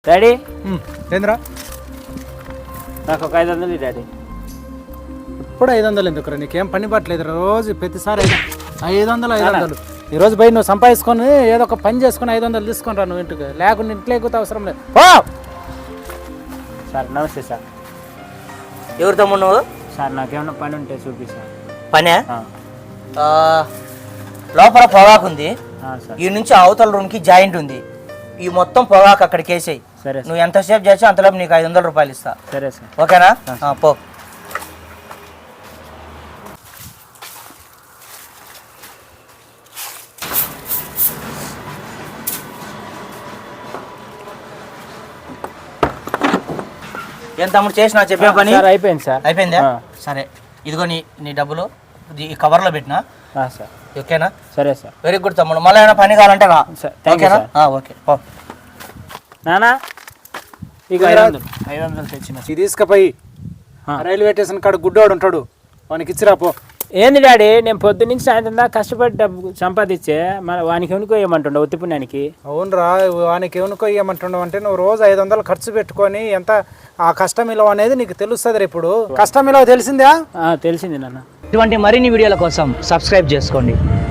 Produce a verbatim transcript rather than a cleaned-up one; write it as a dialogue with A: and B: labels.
A: Daddy
B: ఏంద్రా
A: నాకు ఒక ఐదు వందలు డాడీ.
B: ఇప్పుడు ఐదు వందలు ఎందుకురా? నీకేం పని పట్టలేదు రోజు ప్రతిసారి ఐదు ఐదు వందలు ఐదు వందలు ఈరోజు పోయి నువ్వు సంపాదించుకొని ఏదో ఒక పని చేసుకుని ఐదు వందలు తీసుకొని రా నువ్వు ఇంటికి, లేకుండా ఇంట్లో ఎక్కువ అవసరం లేదు. ఓ
A: సార్ నమస్తే సార్.
C: ఎవరు తమ్ముడు నువ్వు?
A: సార్ నాకేమన్నా పని ఉంటే చూపిస్తా.
C: పనే
A: ఆ,
C: ఆ, లోపల పొగాకు ఉంది,
A: ఆ, సార్
C: ఈ నుంచి అవతల రూమ్కి జాయింట్ ఉంది. ఈ మొత్తం పొగాకు అక్కడికి వేసేయి.
A: సరే సార్.
C: నువ్వు ఎంతసేపు చేసి అంతలోపు నీకు ఐదు వందల రూపాయలు ఇస్తా.
A: సరే సార్.
C: ఓకేనా? ఆ, పో. ఏం తమ్ముడు చేసినా చెప్పే పని
A: సార్ అయిపోయింది సార్.
C: అయిపోయిందా?
A: ఆ.
C: సరే, ఇదిగో నీ నీ డబ్బులు ఇది ఈ కవర్లో పెట్టినా.
A: ఆ, సార్
C: ఓకేనా?
A: సరే సార్.
C: వెరీ గుడ్ తమ్ముడు. మళ్ళీ ఏమైనా పని కావాలంటే రా.
A: సార్ థ్యాంక్ యూ
C: ఓకేనా?
A: సార్.
C: ఆ, ఓకే పో.
A: నానా ఇక ఐదు వందలు ఐదు వందలు తెచ్చిన.
B: ఇది తీసుకుపోయి
A: ఆ.
B: రైల్వే స్టేషన్ కాడ గుడ్డోడు ఉంటాడు, వానికి ఇచ్చిరా పో.
A: ఏంది డాడీ, నేను పొద్దు నుంచి సాయంత్రం దాకా కష్టపడి డబ్బు సంపాదించే మన వానికి ఎనుకో ఏమంటుండ ఉత్తి పుణ్యానికి.
B: అవునరా, వానికి ఏమనుకో ఇవ్వమంటున్నావు అంటే నువ్వు రోజు ఐదు వందలు ఖర్చు పెట్టుకొని ఎంత ఆ కష్టం విలువ అనేది నీకు తెలుస్తుంది. ఇప్పుడు కష్టం విలువ తెలిసిందా?
A: ఆ, తెలిసింది నాన్న.
C: ఇటువంటి మరిన్ని వీడియోల కోసం సబ్స్క్రైబ్ చేసుకోండి.